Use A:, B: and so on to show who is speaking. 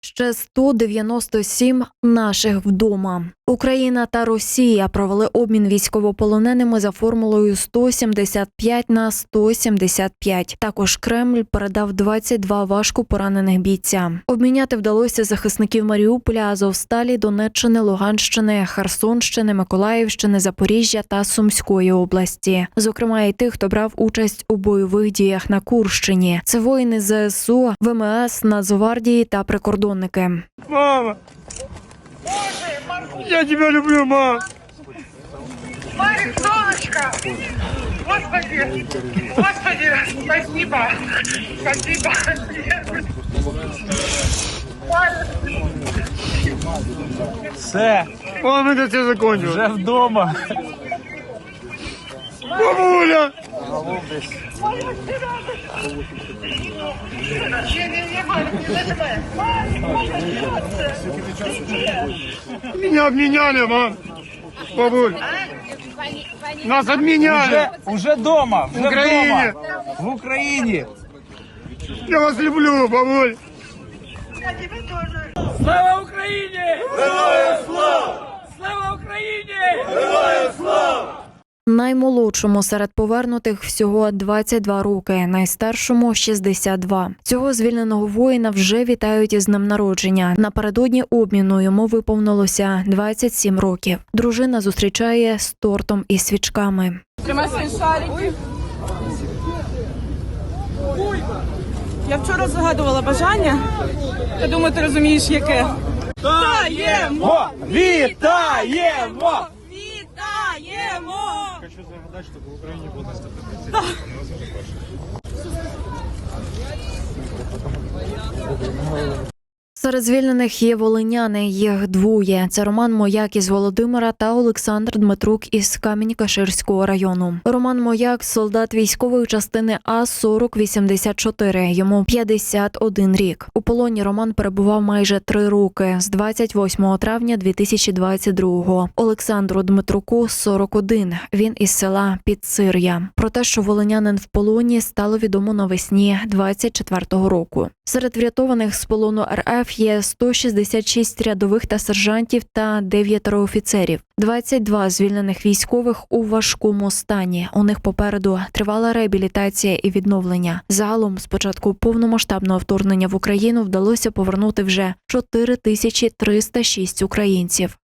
A: Ще 197 наших вдома. Україна та Росія провели обмін військовополоненими за формулою 175/175. Також Кремль передав 22 важко поранених бійця. Обміняти вдалося захисників Маріуполя, Азовсталі, Донеччини, Луганщини, Херсонщини, Миколаївщини, Запоріжжя та Сумської області. Зокрема, і тих, хто брав участь у бойових діях на Курщині. Це воїни ЗСУ, ВМС, Нацгвардії та прикордонники.
B: Мама! Я тебя люблю, мам!
C: Марик, солнышко! Господи! Господи! Спасибо! Спасибо!
D: Все,
B: Мам, это все закончилось.
D: вже вдома.
B: Бабуля!
C: Не-не-не, Марик, не нажимай!
B: Меня обменяли, мам! Бабуль! Нас обменяли!
D: Уже вдома, вже
B: В Україні.
D: вдома. В Україні.
B: Я вас люблю, бабуль!
C: Я тебя тоже!
D: Слава Україні! Героям слава! Слава Україні!
A: Наймолодшому серед повернутих всього 22 роки, найстаршому – 62. Цього звільненого воїна вже вітають із днем народження. Напередодні обміну йому виповнилося 27 років. Дружина зустрічає з тортом і свічками.
E: Тримай свої шарики. Я вчора загадувала бажання. Я думаю, ти розумієш, яке. Вітаємо!
D: Вітаємо!
E: Вітаємо!
B: Хочу загадать, чтобы в Украине было настолько
A: Серед звільнених є волиняни, їх двоє. Це Роман Мояк із Володимира та Олександр Дмитрук із Камінь-Каширського району. Роман Мояк – солдат військової частини А-4084, йому 51 рік. У полоні Роман перебував майже 3 роки, з 28 травня 2022-го. Олександру Дмитруку – 41, він із села Підсир'я. Про те, що волинянин в полоні, стало відомо навесні 24-го року. Серед врятованих з полону РФ є 166 рядових та сержантів та 9 офіцерів. 22 звільнених військових у важкому стані. У них попереду тривала реабілітація і відновлення. Загалом, з початку повномасштабного вторгнення в Україну вдалося повернути вже 4306 українців.